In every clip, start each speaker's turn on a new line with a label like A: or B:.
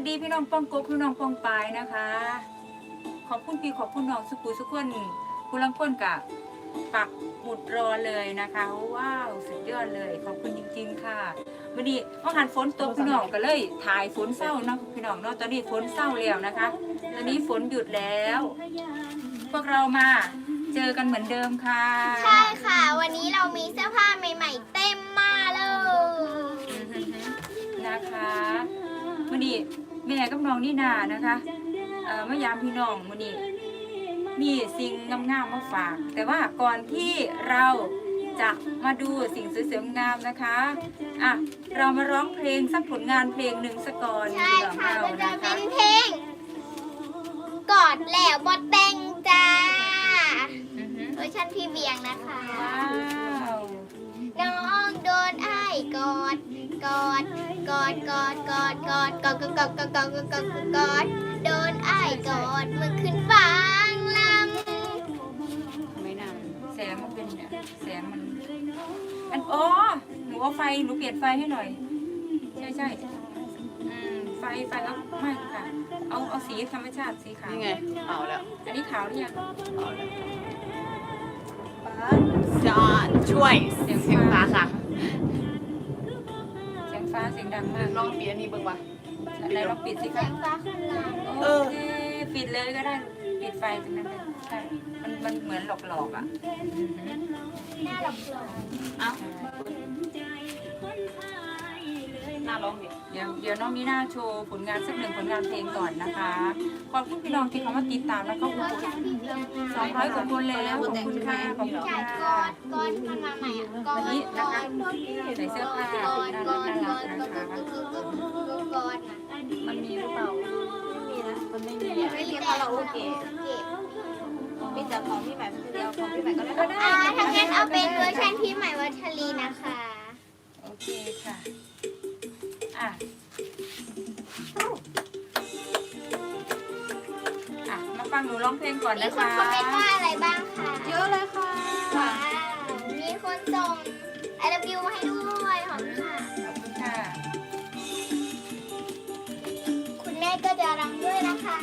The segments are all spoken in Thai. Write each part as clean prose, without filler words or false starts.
A: ดีพี่น้องป้องกบพี่น้องป้องปายนะคะขอบคุณพี่ขอบคุณน้องสุกุสุขคนคุณลังก้นกับปักหมุดรอเลยนะคะว้าวสุดยอดเลยขอบคุณจริงๆค่ะวันนี้ว่าหันฝนตกพี่น้องก็เลยถ่ายฝนเศร้านะพี่น้องเนาะตอนนี้ฝนเศร้าแล้วนะคะตอนนี้ฝนหยุดแล้วพวกเรามาเจอกันเหมือนเดิมค่ะ
B: ใช่ค่ะวันนี้เรามีเสื้อผ้าใหม่ๆเต็มมาเลย
A: นะคะวันนี้แม่กับน้องนี่นานะคะมายามพี่น้องวันนี้มีสิ่งงามๆมาฝากแต่ว่าก่อนที่เราจะมาดูสิ่งสวยๆงามนะคะอ่ะเรามาร้องเพลงสักผลงานเพลงหนึ่งสักก่อน
B: ใช่ค่ะก็จะเป็นเพลงกอดแล้วบดแต่งจ้าเวอร์ชันพี่เบียงนะคะน้องโดนไอ้กอดกอดกอดกอดกอดกอดกอดกอดกอดกอดกอดกอดกอดโดนไอ้กอดมือขึ้นฟังลำ
A: ไม่นานแสงมันเป็นเนี่ยแสงมันอ๋อหนูเอาไฟหนูเปลี่ยนไฟให้หน่อยใช่ไฟเอาไม่ค่ะเอาสีธรรมชาติสีขาว
C: นี่ไงเอาแล้ว
A: อันนี้ขาวหรือยัง
C: เอาแล้วจะช่วยเสียงฟ้าค่ะ
A: เสียงฟ้าเสียงดังมาก
C: ลองปิดอันนี้เบิ่งวะ
A: อะไรลองปิดสิคะ
B: เสียงฟ้าขึ้นลาย
A: โอเคปิดเลยก็ได้ปิดไฟตรงนั้นเลยใช่มันเหมือนหลอกอ่ะ
B: หน้าหลอก
C: เอ้าหน้าร้องดิ
A: เดี๋ยวน้องมีหน้าโชว์ผลงานสักหนึ่งผลงานเพลงก่อนนะคะขอบคุณพี่น้องที่เขามาติดตามแล้วก็ขอบคุณ200 กว่าคนแล้วขอบคุณค่ะขอบคุณค่ะ
B: ก้อนมันมาใหม่ก้อน
A: นี้นะคะใส่เสื้อผ้าน่ารักนะคะ
C: มันมีหรือเปล่าไม่มีนะมันไม่มีไม่มีคาราโอเกะมีแต่ของพี่ใหม่คนเดียวของพี่ใหม่ก็ได้
B: ถ้างั้นเอาเป็นเวอร์ชันพี่ใหม่วัชรีนะคะ
A: โอเคค่ะอ่ะมาฟังหนูร้องเพลงก่อนนะคะ
B: มีคนคอมเมนต์ว่าอะไรบ้างคะ
C: เยอะเลยค่ะ
B: ว้าวมีคนส่ง I love you มาให้ด้วยขอบคุณค่ะ
A: ขอบคุณค่ะ
B: คุณแม่ก็จะรำด้วยนะคะ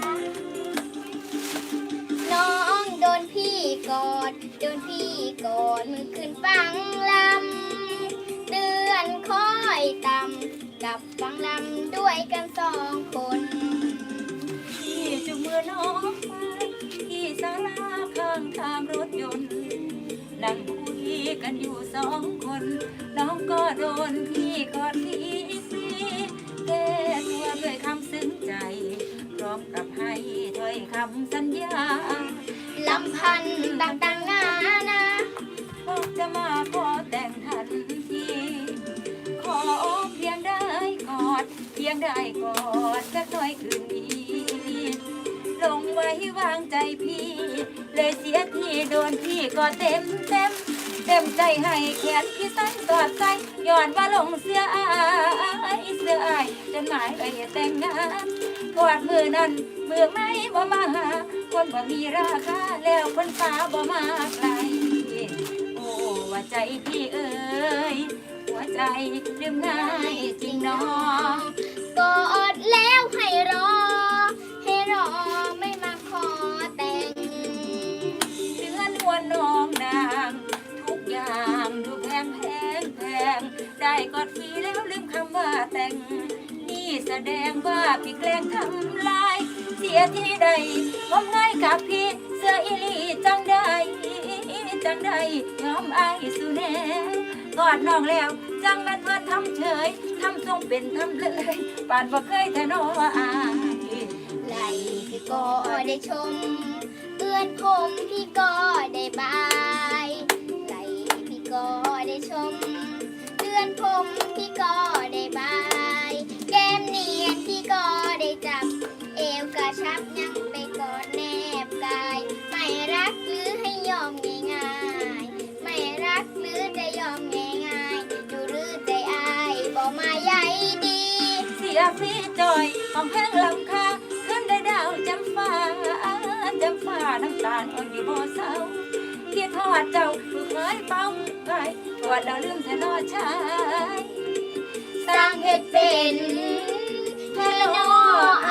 B: น้องโดนพี่กอดโดนพี่กอดมือขึ้นฟังลำเดือนคอยต่ำกับฟังลำด้วยกัน2 คน
A: พี่จุงมือน้องไปที่ศาลาข้างทางรถยนต์นั่งคุยกันอยู่2 คนน้องก็โดนพี่กอดทีแก้ตัวด้วยคำซึ้งใจพร้อมกับให้ถ้อยคำสัญญา
B: ลำพันต่างๆนานา
A: พวกจะมาขอแต่งทันทีขอเพียงได้กอดเพียงได้กอดสักหน่อยคืนนี้ลงไว้วางใจพี่เลยเสียทีโดนพี่ก็เต็มใจให้แขนพี่สั้นกอดใจย้อนว่าลงเสื้ออายจนหมายไปแต่งงานกอดมือนั้นมือไม่บ่มาหาคนบ่มีราคาแล้วคนฟ้าบ่มาไกลโอ้ว่าใจพี่เอ๋ยหัวใจลืมง่ายจริงน้อง
B: กอดแล้วให้รอไม่มาขอแต่ง
A: เดือนหัวน้องนางทุกอย่างดูแพงได้กอดพี่แล้วลืมคำว่าแต่งนี่แสดงว่าพี่แกล้งทำลายเสียที่ใดผมง่ายกับพี่เสื้ออีลีจังได้ยอมอายสุแนกอดน้องแล้วจังแม่นว่าทำเฉยทำทรงเป็นทำเลยปานบ่เคยแต่น้ออาย
B: ไหลพี่ก็ได้ชมเอื้อนผมพี่ก็ได้บายไหลพี่ก็ได้ชมเอื้อนผมพี่ก็ได้บายแก้มเนียนพี่ก็ได้จับเอวกระชับยังไปกอดแนบกายไม่รักหรือให้ยอมง่ายๆไม่รักหรือจะยอมง่ายๆดูหรือใจอายบอกมาใหญ่ดี
A: เสียพี่จอยของแพงหลังคาขึ้นได้ดาวจำฟ้าน้ำตาลอ่อนอยู่บ่เศร้าคิดทอดเจ้าผู้เคยเป้าไว้กอดเราลืมแต่นอชาย
B: สร้างเหตุเป็นฮัลโหล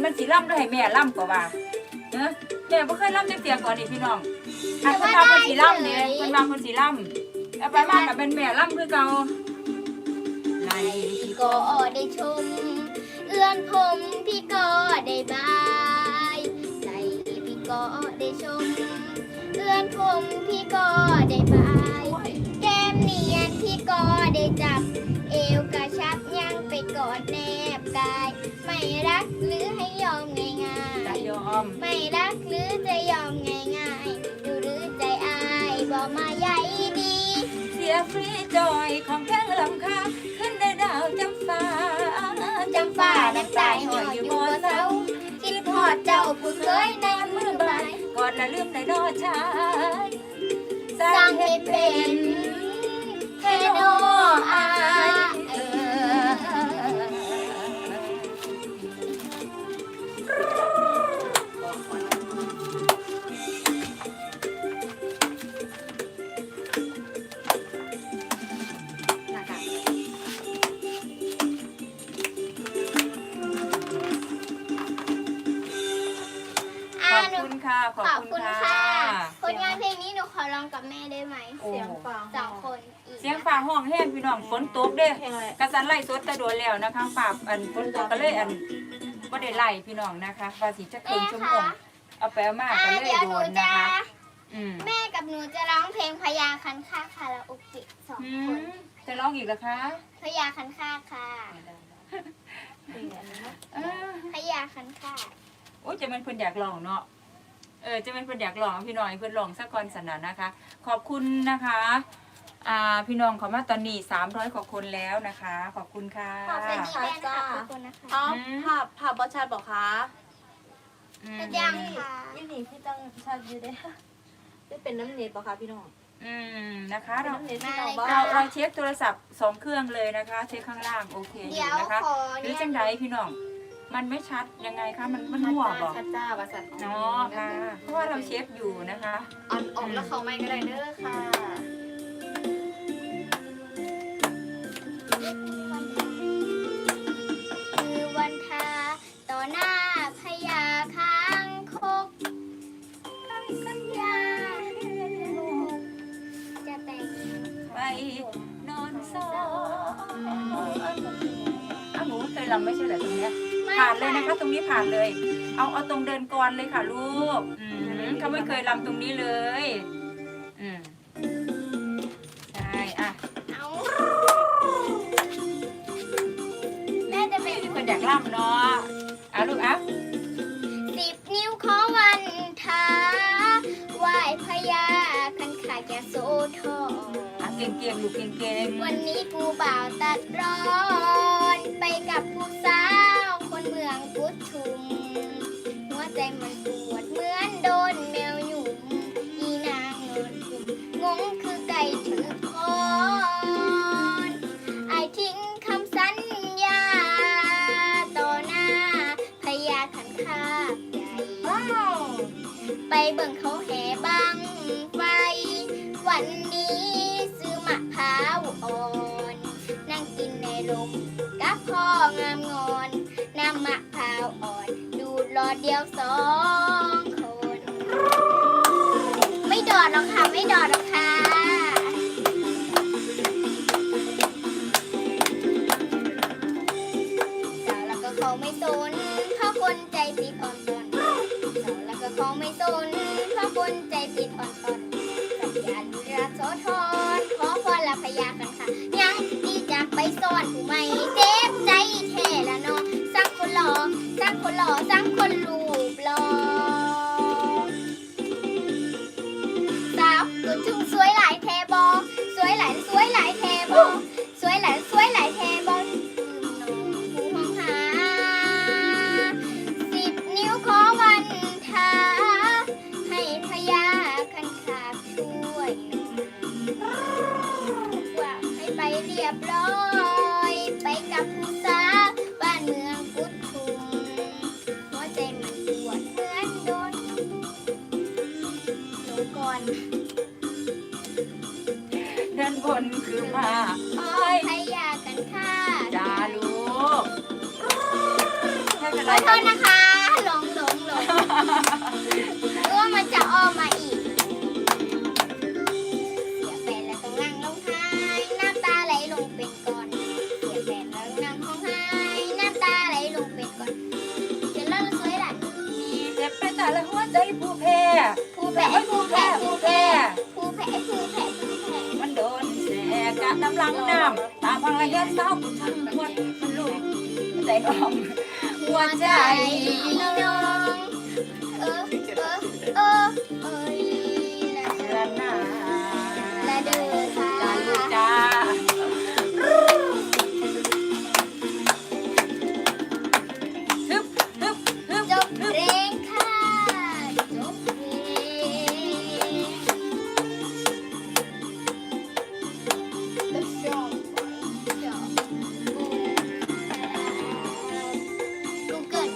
A: มันสิล่ำด้วยให้แม่ล่ำกว่าเนอะแม่บ่เคยล่ำจักเตียก่อนนี่พี่น้องอันเพิ่นว่าเพิ่นสิล่ำเนี่ยเพิ่นว่าเพิ่นสิล่ำเอาไปมากับเป็นแม่ล่ำคือเก่าไล่
B: พี่ก็ได้ชม เอื้อนผมพี่ก็ได้บายไหลพี่ก็ได้ชม เอื้อนผมพี่ก็ได้บายแก้มเนียนพี่ก็ได้จับ เอวกระชับยังไปกอดแนบกาย ไม่รักหรือให้ยอมง่าย
A: จะยอม
B: ๆไม่รักหรือจะยอมง่ายๆดูหรือใจอายบอกมาใหญ่ดี
A: เสียฟรีจอยของแพงลำค่าขึ้นได้ดาวจำฟ้า
B: จำฟ้าน้ำตาหอยอยู่บนเสาคิดทอดเจ้าผู้เคยในมือบ่าย
A: ก่อนละลืมได้รอดชายส
B: ส
A: ร้า
B: ร้าง ง
A: ให้
B: ให้
A: เป็
B: เป็น นเทโนอา
A: ขอบคุณค่ะขอบ
B: ขอบ
A: คุ
B: คุณ ณ
A: ค่ะ
B: ค่ะผลงานเพลงนี้หนูขอร้องกับแม่ได้ไหม
A: โอ้
C: เสียงฟ้า
B: สองคนอีก
A: เสียงฝ่าห้องแห้งพี่น้องฝนตกเด้
C: เพลงอะไร
A: กระสันไล่สดแต่โดนแล้วนะคะฝ่าอันฝนตกก็เลยอันบ่ได้ไล่พี่น้องนะคะว่าสิจะคืนชั่วโมงเอาไปเอามาก็เลย
B: เดี๋ยว
A: โด
B: หนู
A: น
B: จะ
A: นะคะอืม
B: แม่กับหนูจะร้องเพลงพญาคันคากคาราโอเกะสอง
A: อื
B: คน
A: มจะร้องอีกเหรอคะ
B: พญาคันคากค่ะ
C: เพลงอะไรนะ
A: เออ
B: พญาคันคาก
A: โอ้ยจะเป็นเพิ่นอยากลองเนาะจะเป็นเพิ่นอยากลองพี่น้องให้เพิ่นลองสักก่อนสนะนะคะ ขอบคุณนะคะพี่น้องเขามาตอนนี้300กว่าคนแล้วนะคะ ขอบคุณค่ะ
B: ขอบคุณแม่นะคะขอบคุณนะคะ
C: อ๋อภาพบอชัดบอกคะ
A: อืม
B: ยังค่ะ
C: ยี่หนีพี่ตั้งชัดอยู่เด้จะเป็นน้ำเน็ตบอกคะพี่น้อง
A: นะคะ
C: เป็น
A: เรา
C: น้ำเน็ตพี่น้องบ้า
A: เราเช็คโทรศัพท์2เครื่องเลยนะคะ เช็คข้างล่างโอเคอ
B: เดี๋ย
A: ยู่
B: ว
A: นะคะ
B: ขอ
A: หรือ
B: เนี่ย
A: จังไดพี่น้องมันไม่ชัดยังไงคะมันมั่วบอก
C: ชัดจ้าว่าสัตว์
A: เนาะค่ะเพราะว่าเราเช็คอยู่นะคะ
C: อ่อนออกแล้วเขาไม่ก็ได้เด้อค่ะ
B: คือวันทาต่อหน้าพญาค้างคกสัญญาจะแต่ง
A: ไปนอนซ้อนหนูเคยรำไม่ใช่เหรอตรงเนี้ยผ่านเลยนะคะ ตรงนี้ผ่านเลย เอาตรงเดินกรเลยค่ะลูกเขาไม่เคยรำตรงนี้เลยใช่อ่ะ
B: เอาแม่จะเป็น
A: มีคนอยากรำเนาะลูก
B: 10 นิ้วขอวันทาไหว้พญาคันขายาโสธร
A: เก่งๆลูกเก่ง
B: วันนี้ผู้บ่าวตัดร้อนไปกับผู้สาวคนเมืองกุดชุม หัวใจมันปวดเหมือนโดนแมวหยุ่มอีนางนอนกุมงงคือไก่ถือคอนไอายทิ้งคำสัญญาต่อหน้าพญาขันคากใหญ่
A: ๆว้าว
B: ไปเบิ่งเขาแห่บังไฟ วันนี้ซื้อมะพร้าวอ่อน นั่งกินในลมกับพ่องามงอนน้ำมะพร้าวอ่อน ดูดหลอดเดียว2 คน ไม่ดอดหรอกค่ะ ไม่ดอดหรอกค่ะสาวแล้วก็เขาไม่สนเพราะคนใจติดอ่อนตอนสาวแล้วก็เขาไม่สนเพราะคนใจติดอ่อนตอนสัญญาลุราโสธรขอพรละพญากันค่ะยังดีจากไปซ่อนผู้ไม่เจ็บใจแท้ละเนาะสักคนหล่อสักคนหล่อสักคนรูปหล่อสาวตัวจุงสวยหลายแทบอสวยหลายแทบอสวยหลายแทบอผู้ห้องหา10 นิ้วขอวันทาให้พญาคันคากช่วยว่าให้ไปเรียบร้อยไปกับผู้สาวบ้านเมืองกุดชุมหัวใจมันปวดเหมือนโดนหนูก่อน
A: ด้านบนคือมาอ้อย
B: พญากันค่ะ
A: จ้าลูกไม่เป็น
B: ข
A: ไร
B: อโทษนะคะ
A: น้ำลังน้ำตามพังระยะเศร้าหัวลุยใจน้องหัวใจ
B: น้องเออเอ้ยละ
A: ละนา
B: ละเด้อค่ะ
A: จ้าลูกจ้าฮึบฮึบฮึบ
B: จบเพลงค่ะจบเพลง The song Google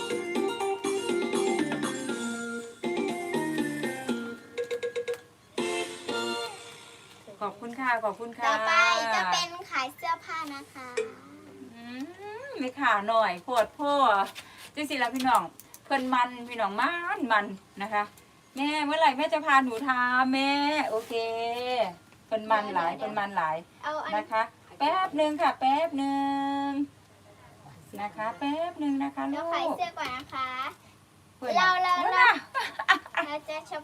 A: ขอบคุณค่ะขอบคุณค่ะ
B: ต่อไปจะเป็นขายเสื้อผ้านะคะ
A: ไม่ขาหน่อยปวดพ่อจริงๆแล้วพี่น้องเพื่อนมันพี่น้องมันนะคะแม่เมื่อไหร่แม่จะพาหนูทาแม่โอเคเพื่อนมันหลายเพื่อนมันหลาย
B: เอาอัน
A: นะคะ แป๊บหนึ่งค่ะแป๊บหนึ่งนะคะแป๊บหนึ่งนะคะ
B: เรา
A: ลู
B: ขาย
A: ก
B: เสื้อก่อนนะคะ
A: พื่อน
B: เรา
A: น่ะ
B: เราจะช็อป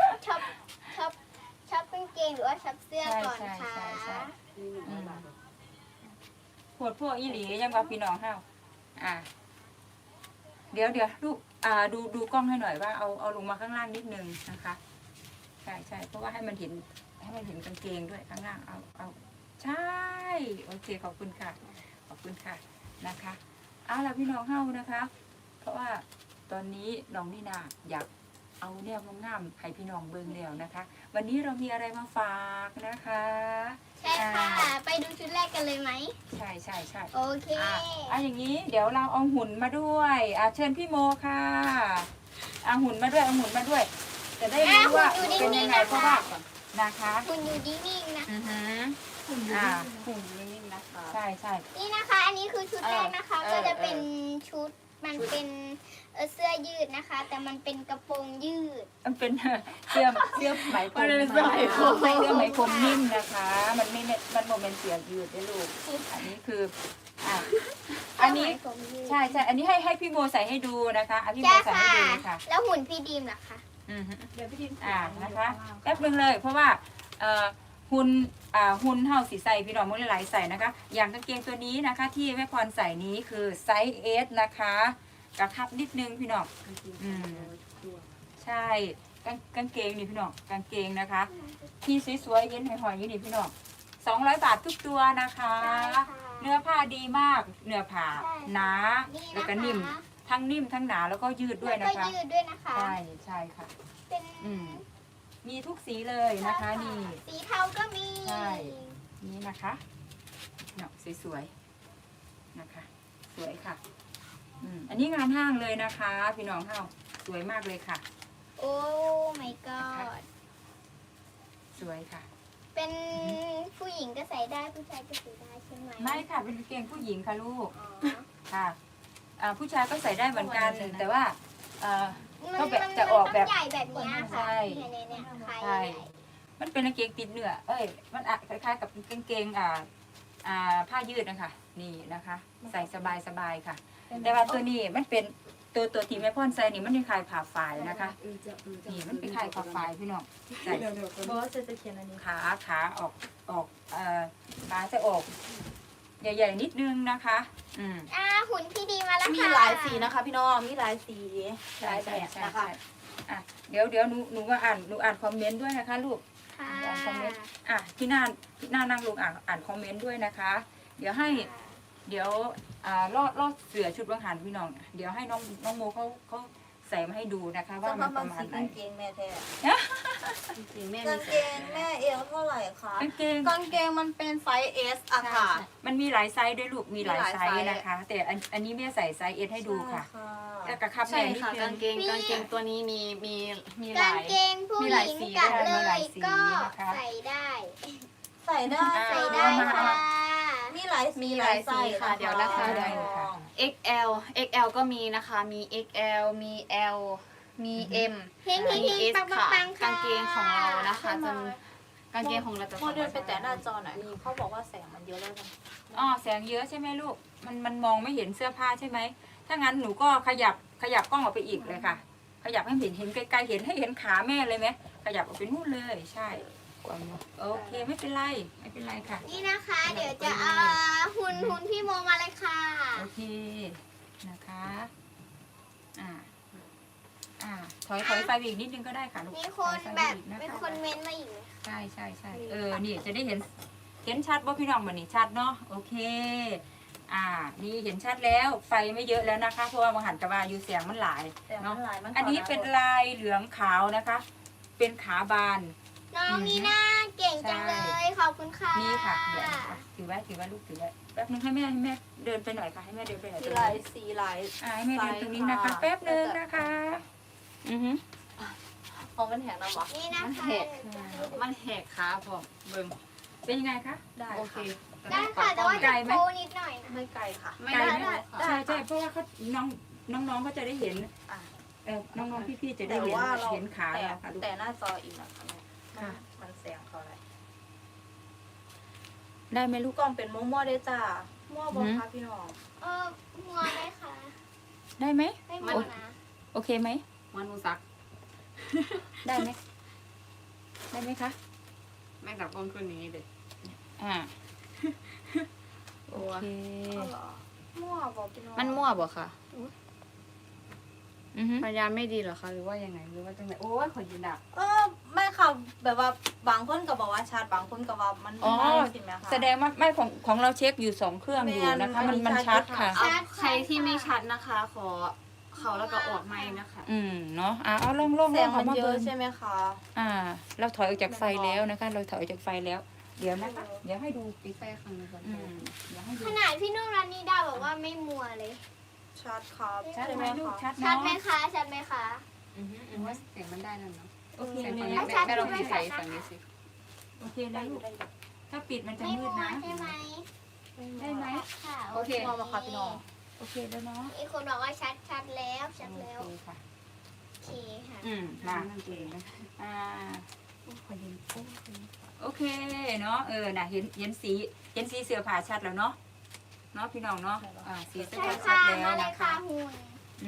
B: กางเกงหรือว่าช็อปเสื้อก่อนค่ะ
A: อืมปวดพวกอีหลียังว่าพี่น้องเฮาเดี๋ยวลูกดูกล้องให้หน่อยว่าเอาลงมาข้างล่างนิดนึงนะคะใช่เพราะว่าให้มันเห็นกางเกงด้วยข้างล่างเอาใช่โอเคขอบคุณค่ะขอบคุณค่ะนะคะเอาล่ะพี่น้องเฮานะคะ เพราะว่าตอนนี้น้องนี่นาอยากเอาแนวงามๆให้พี่น้องเบิ่งแล้วนะคะ วันนี้เรามีอะไรมาฝากนะคะ
B: ใช่ค่ะ ไปดูชุดแรกกันเลยไหม
A: ใช่
B: โอเค
A: อย่างนี้เดี๋ยวเราเอาหุ่นมาด้วยเชิญพี่โมค่ะเอาหุ่นมาด้วยจะได้รู้ว่าเป็นยังไงเพราะว่านะคะ
B: คุณอยู่นิ่งๆนะ
A: อือฮึ
C: หุ่นนิ่งๆนะคะ
A: ใช่
B: นี่นะคะ อันนี้คือชุดแรกนะคะ ก็จะเป็นชุด มันเป็นเสื้อยืดนะคะ แต่มันเป็นกระโปรงยืด
A: มันเป็นเสื้อไหมพรมเสื้อไหมพรมนิ่มนะคะ มันโมเมนต์เสียยืดได้ลูกอันนี้คืออันนี้ใช่อันนี้ให้พี่โมใส่ให้ดูนะคะพี่โม
B: ใช่
A: ใส่
B: ค่ะ
A: ให้ดูค่ะ
B: แล้วหุ่นพี่ดีมล่ะคะ
C: เดี๋ยวพี่ดิม
A: นะคะแป๊บนึงเลยเพราะว่าหุ่นเท่าสีใส่พี่น้องมือหลายๆใส่นะคะ อย่างกางเกงตัวนี้นะคะ ที่แม่พรใส่นี้คือไซส์ S นะคะกระทับนิดนึงพี่น้องใช่กางเกงนี่พี่น้องกางเกงนะคะที่สวยๆเย็นหอยๆอยู่นี่พี่น้อง200 บาททุกตัวนะคะ เนื้อผ้าดีมากเนื้อผ้าหนาแล้วก็นิ่มทั้งนิ่มทั้งหนาแล้วก็ยืดด้วย
B: แล้ว
A: นะ
B: ก็
A: คะ
B: ยืดด้วยนะคะ
A: ใช่ค่ะ
B: เป็น
A: มีทุกสีเลยนะคะนี่
B: สีเทาก็มี
A: ใช่ นี่นะคะเนาะสวยๆนะคะ สวยค่ะอันนี้งานห้างเลยนะคะ พี่น้องเฮาสวยมากเลยค่ะ
B: โอ้ my god
A: สวยค่ะ
B: เป็นผู้หญิงก็ใส่ได้ผู้ชายก็ใส่ได้ใช่ไหม
A: ไม่ค่ะเป็นกางเกงผู้หญิงค่ะลูก
B: อ๋อ
A: ค่ะผู้ชายก็ใส่ได้เหมือนกัน แต่ว่าก็แบบ
B: มัน
A: จะออกแบบ
B: มันใหญ่แบบเนี้ย
A: ใช่
B: ค่ะเนี่ยคล้าย
A: ใช่ มันเป็นกางเกงติดเนื้อมันคล้ายๆกับกางเกงผ้ายืดนะคะนี่นะคะ ใส่สบายๆค่ะ แต่ว่าตัวนี้มันเป็นตัวที่แม่พ่อนใส่นี่มันเป็นคล้ายผ่าฝ่ายนะคะนี่มันเป็นคล้ายผ่าฝ่ายพี่น้องใส่
C: บอสจะเขียนอันนี้
A: ขาออกขาจะออกใหญ่ๆนิดนึงนะคะ
B: หุ่นพี่ดีมาแล้วค่ะ
C: มีหลายสีนะคะ พี่น้องมีหลายสี
A: ใช่
C: หลายแบบนะคะ
A: เดี๋ยวหนูว่าหนูอ่านคอมเมนต์ด้วยนะคะลูก
B: ค่ะ
A: อ่านคอมเมนต์ที่หน้านั่งลงอ่านคอมเมนต์ด้วยนะคะ เดี๋ยวลอดเสือชุดวังหันพี่น้อง เดี๋ยวให้น้องโมเขาใส่มาให้ดูนะคะ ว่ามันประมาณไหน
C: กางเกงแม่แท้
D: กางเกง
C: กางเกงแม่เอวเท่าไหร่คะ
A: กางเกง
C: กางเกงมันเป็นไซส์ S อะค่ะ
A: มันมีหลายไซส์ด้วยลูกมีหลายไซส์นะคะ แต่อันนี้แม่ใส่ไซส์เอสให้ดูค่ะแล้วกระคับ
D: ใช่
A: แม่นิด
D: ค่ะ
A: นึ
D: กาง งเกงตัวนี้มีห
B: กา
D: ลาง ย
B: เกงผู้
D: มี
B: ห
D: หลาย
B: ญิง
D: สี
B: กัด
A: ด้วย
B: เล
A: มีหลาย
B: ย
A: สี
B: ก็
A: นะคะ
B: ใส่ได้
C: ใส่ได้
B: ใส่ได้ค่ะ
C: มีหลายสีหลายไซส์
D: ค่ะเดี๋ยวนะคะ
A: ได้ค่ะ
D: XL ก็มีนะคะ มี XL มี L มี M
B: เฮง
D: มี S
B: ปัง
D: ค่ะ
B: ปังค่ะ
D: กางเกงของเรานะคะจะกางเกงของเราจะ
C: โมเดลไปแต่หน้าจอหน่อยเขาบอกว่าแสงมันเยอะแล้วกัน
A: แสงเยอะใช่ไหมลูกมันมองไม่เห็นเสื้อผ้าใช่ไหมถ้างั้นหนูก็ขยับกล้องออกไปอีกเลยค่ะ ขยับให้เห็นไกลๆเห็นให้เห็นขาแม่เลยไหมขยับออกไปนู่นเลยใช่
D: ก่อนเนาะ
A: โอเคไม่เป็นไรไม่เป็นไรค่ะ
B: นี่นะคะ เดี๋ยวจะเอาหุ่นพี่โมมาเลยค่ะ
A: โอเคนะคะถอยไฟไปอีกนิดนึงก็ได้ค่ะลูก
B: มีคน
A: ถอยไฟ
B: แบบ
A: ไปอีกะะ
B: มีคนเม้นต์มาอีกไหม
A: ใช่นี่จะได้เห็นชัดว่าพี่น้องวันนี้ชัดเนาะโอเคนี่เห็นชัดแล้วไฟไม่เยอะแล้วนะคะเพราะว่ามังหันกระบาอยู่เสียงมันหลาย
C: แต่มั
A: เนาะ
C: นหลายมัน
A: อันนี้เป็นลายเหลืองขาวนะคะ เป็นขาบาน
B: น้องนีน่าเก่งจังเลย ขอบคุณค่ะ
A: นี่ค่ะเดี๋ยวนะคะถือไว้ลูกถือไว้แป๊บนึงให้แม่เดินไปหน่อยค่ะให้แม่เดินไปหน่อย
C: สีลายสีลาย
A: ให้แม่เดินตรงนี้นะคะแป๊บนึงนะคะ
C: ของมันแหงนะวะ
B: นี่นะ
D: มัน
B: คะ
D: แหกมันแหกขาผมเบิ่ง
A: เป็นยังไงคะ
C: ได้
D: โอเค
B: ได้ค่ะแต่ว่า
A: ไกล
B: จะ
A: ไหม
B: โค้นิดหน่อยนะ
C: ไม่ไกลค่ะ
D: ไม่
A: ไกล
D: ได้
A: ไหม
D: ได้
A: ใช่เพราะว่าเขาน้องๆเขาจะได้เห็น
C: อ่ะ
A: น้องๆพี่ๆจะได้
C: แต่
A: เห็น
C: ว่าเรา
A: เห็นขาเราค่ะลูก
C: แต่หน้าจออีกนะคะแม่
A: ค่ะ
C: มันแสงเขาอะไร
A: ได้ไหมลู
C: ลู
A: ก
C: กกล้องเป็นมั่วๆเด้อจ้ามั่วบอ
A: อืม
C: คะพี่น้อง
B: หัวได้ค่ะ
A: ได้ไหม
B: ไม่หัวนะ
A: โอเคไหม
D: มันมูซัก
A: ได้ไหมได้ไหมคะ
D: แม่งดับกล้องขึ้นอย่างนี้เลย
A: โอเค
C: เอาเหรอมั่วบอกพี่น้อง
D: มันมั่วบ่ค่ะ
A: อือฮึ
D: พยายามไม่ดีเหรอคะหรือว่ายังไงหรือว่าจังไหนโอ้ยขอยืนดัก
C: ไม่ค่ะแบบว่าบางคนก็บอกว่าชัดบางคนก็ว่ามัน
A: อ๋อ
C: ไม่สิแม่ค่ะ
A: แสดงว่าไม่ของเราเช็คอยู่2 เครื่องอยู่นะคะ มันชัดค่ะ
D: เอาใครที่ไม่ชัดนะคะ ขอเขาแล้วก็ออกไม่นะคะ
A: เนาะเอาลอง
C: แสงมัน
A: มา
C: เย
A: เบิ่
C: อะ
A: ง
C: ใช่ไหมคะ
A: เราถอยออกจากไฟแล้วนะคะ เราถอยออกจากไฟแล้ว เดี๋ยวนะคะ เดี๋ยวให้ดู
D: ปิดไฟข้างในก่อน
A: เดี๋ยวให้ดู
B: ขนาดพี่นุ่นรันนี่ดาบอกว่าไม่มัวเลย
C: ชัดครับ
A: ชัดไหมลูก
C: คะ
A: ชัด
B: ชัดไหม
A: เนาะ
B: คะชัดไหมคะ
D: หรือว่าเสียงมันได้นั่นเนาะ
A: โอเค
D: เสียง
A: เล
D: ฝั่ง
A: ย
D: นี้
A: นะ
D: แม่ลองปิดไฟฝั่งนี้สิ
A: โอเคนะลูกถ้าปิดมันจะ
B: ไม่
A: มื
B: มั
A: ด
B: ว
A: นะ
B: ใช่ไหม
A: ได้ไหม
B: ค่ะ
D: โอเค
C: มั่วมาค่ะพี่น้อง
A: โอเคแล้วเนาะ
B: มีคนบอกว่าชัดแล้วชัดแล้ว
A: โอเคค่ะ
B: โอเคค่ะ
A: มา
D: นั่นเองนะ
A: โอเคเนาะน่ะเห็นสีเสื้อผ้าชัดแล้วเนาะพี่น้องเนาะสีเสื้อ
B: ใช่
A: ผ้าชั
B: ค่ะ
A: ดแล้ว
B: มาเลย
A: นะ
B: ค่ะ
A: คะ
B: หุ่น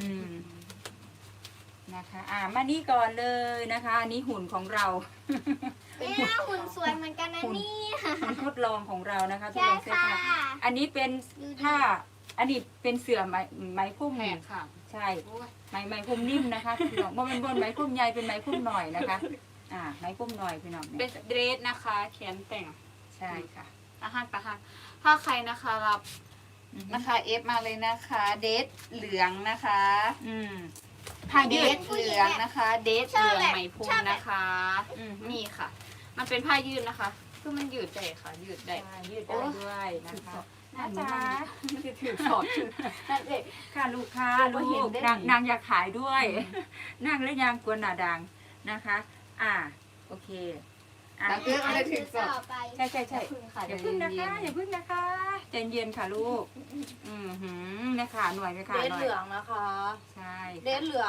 A: นะคะมานี่ก่อนเลยนะคะอันนี้หุ่นของเรา
B: เนี่ยหุ่นสวยเหมือนกันนะเนี่ย
A: หุ่นทดลองของเรานะคะทด
B: ใช่
A: ลองเสื้อ
B: ค่ะ
A: ผ้าอันนี้เป็นผ้าอันนี้เป็นเสื่อไหมพุ่ม
D: แหกค่ะ
A: ใช่
D: โอ้ย
A: ไหมพุ่มนิ่มนะคะพี่น้องว่าเป็นบนไหมพุ่มใหญ่เป็นไหมพุ่มหน่อยนะคะไหมพุ่มหน่อยพี่น้อง
D: เป็
A: เนี่
D: น
A: ย
D: เดรสนะคะแขนแต่ง
A: ใช่ค่ะ
D: ตาหักถ้าใครนะคะรับนะคะเอฟมาเลยนะคะเดทเหลืองนะคะ
A: ผ้า
D: เด
A: ยืด
D: ทเหลืองนะคะ เดทเหลืองไหมพรมนะคะนี่ค่ะ มันเป็นผ้ายืดนะคะคือมันยืดได้ค่ะ ยืดได้
A: ยืดได้ด้วยนะคะ
D: น่า
A: จ๊ะ
D: จะถือสอดถือนั่นเอง
A: ค่ะลูกค้า
D: เรา
A: ลู
D: เห็น
A: ก
D: ได้
A: นางอยากขายด้วยนั่งและยางกวนหนาดังนะคะ โอเค
D: แล้วก็อะไรถือสอด
B: ต่อไป
A: ใช่
D: พึ่งค่ะ
A: อย่าพึ่งนะคะอย่าพึ่งนะคะใจเย็นค่ะลูกนะคะหน่วยไหมคะ
C: เดท
A: หน่อย
C: เหลืองนะคะ
A: ใช่
C: เดทเหลือง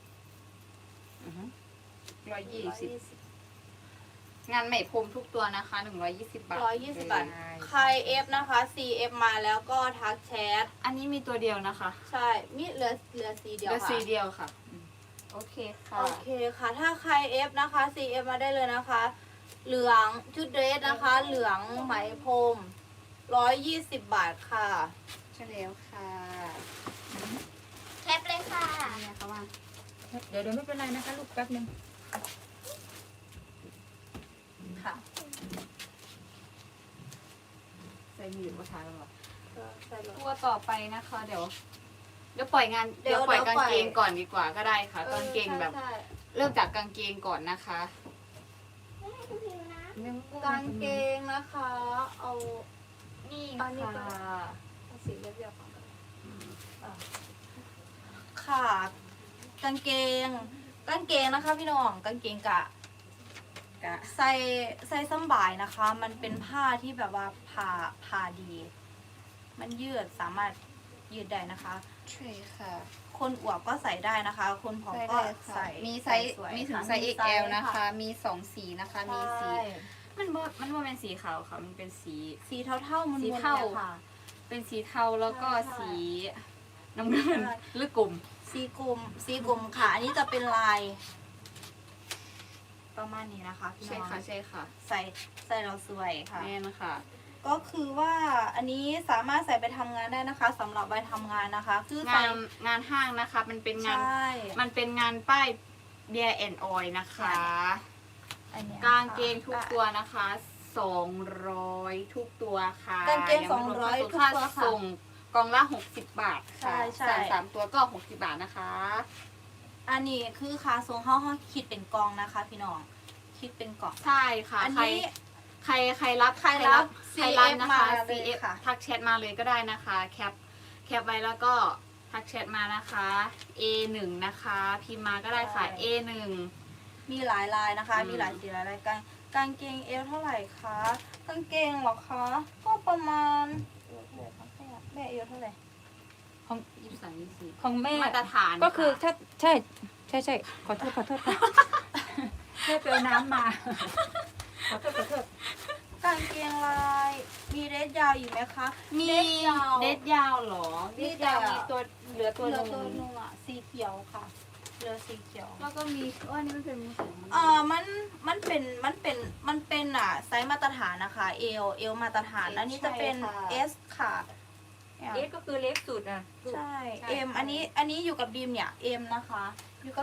D: 120งานไหมพรมทุกตัวนะคะ120 บาท
C: 120 บาท ใครเอฟนะคะ CF มาแล้วก็ทักแชท
D: อันนี้มีตัวเดียวนะคะ
C: ใช่ มีเหลือสีเดียว
D: เหลือ
C: ค่ะ
D: สีเดียวค่ะโอเคค่ะ
C: โอเคค่ะ ถ้าใครเอฟนะคะ CF มาได้เลยนะคะ เหลืองชุดเดรสนะคะ เหลืองไหมพรม120 บาทค่ะ
D: ใช่แล้วค่ะ
B: แคปเลยค่ะ
D: เนี่ยเขาว่า
A: เดี๋ยวไม่เป็นไรนะคะลูกแป๊บนึง
C: ค่ะ
D: ใส่มือมาทานแล้วหรอ
C: ใส่เลย
D: ตัวต่อไปนะคะ เดี๋ยวปล่อยงานเดี๋ยวปล่อยกางเกงก่อนดีกว่าก็ได้ค่ะกางเกงแบบ
C: ใช่
D: เริ่มจากกางเกงก่อนนะคะ
C: กางเกงนะคะ เอา
D: นี่
C: อันนี้
D: ค่ะ
C: ก็เอาสีเรียบๆก่อนค่ะ กางเกงนะคะพี่น้อง กางเกงกะใส่สำบายนะคะ มันเป็นผ้าที่แบบว่าผ่าดี มันยืดสามารถยืดได้นะคะ
D: ใช่ค่ะ
C: คนอวบก็ใส่ได้นะคะ คนผอมก็ใส่
D: มีไซส์
C: สวย
D: มีถึง
C: ค่ะ
D: ไซส์ XL นะคะ มี2สีนะคะ มีสี
C: ใช่
D: มันบ่เป็นสีขาวค่ะ มันเป็นสี
C: สีเท่าๆมัน
D: สีเทา
C: ค่ะ
D: เป็นสีเทาแล้วก็
C: ใช่
D: สีน้ำเงิน
C: ใช่
D: หรือกลุ่ม
C: สีกลุ่มค่ะ อันนี้จะเป็นลายประมาณนี้นะคะพี่
D: ใช่
C: น้อง
D: ค่ะใช่ค่ะ
C: ใส่เราสวยค่ะ
D: แม่นค่ะ
C: ก็คือว่าอันนี้สามารถใส่ไปทำงานได้นะคะสำหรับไปทำงานนะคะ คือใส่
D: งานห้างนะคะ มันเป็นงาน
C: ใช่
D: มันเป็นงานป้ายเบียร์แอนด์ออยนะคะ
C: อันเนี้ย
D: กางเกงทุกตัวนะคะ200ทุกตัวค่ะ
C: กางเกง
D: ยัไม่รวม
C: 200
D: ค่า
C: ทุกตัวค่ะ
D: ส่งกล่องละ60 บาทค่ะ
C: ใช่
D: สั่ง3ตัวก็60 บาทนะคะ
C: อันนี้คือค่าส่งห้องคิดเป็นกล่องนะคะ พี่น้องคิดเป็นกล่อง
D: ใช่ค่ะ
C: อัน
D: ใคร
C: นี้
D: ใครรับ
C: ใครรับ
D: ใครรับนะคะ
C: CF มาเลย
D: CF
C: ค่ะ
D: ทักแชทมาเลยก็ได้นะคะแคปไว้แล้วก็ทักแชทมานะคะ A1 นะคะพิมพ์มาก็ได้ค่ะ A1
C: มีหลายลายนะคะ
D: อืม
C: มีหลายสีหลายรายกางเกงเอวเท่าไหร่คะกางเกงเหรอคะก็ประมาณแม่เอวเท่าไหร่
A: ของ
D: 23 24
A: ของแม่
D: มาตรฐาน
A: ก็คือ
D: ค่ะ
A: ถ้าใช่ขอโทษค่ะแม่ไปเอาน้ำมาขอโทษ
C: กางเกงลายมีเดรสยาวอีกไหมคะ
D: มี
C: เดรสยาว
D: เด็ดยาวเหรอ
C: มี
D: เด็ด
C: แต่
D: ยาวมีตัวเหลือตัว
C: เหลื
D: ห
C: อ
D: นึ
C: ตัว
D: ง
C: นึงอ่ะสีเขียวค่ะเหลือสีเขียว
D: แล้วก็มีว่านี่มันเป็นมือถือ
C: มันเป็นไซส์มาตรฐานนะคะ เอลมาตรฐาน อันนี้จะเป็น S ค่ะ
A: เล็กก็คือเล็กสุดอ่ะ
C: ใช่
A: ใช่
C: M อันนี้อยู่กับบีมเนี่ย M นะคะ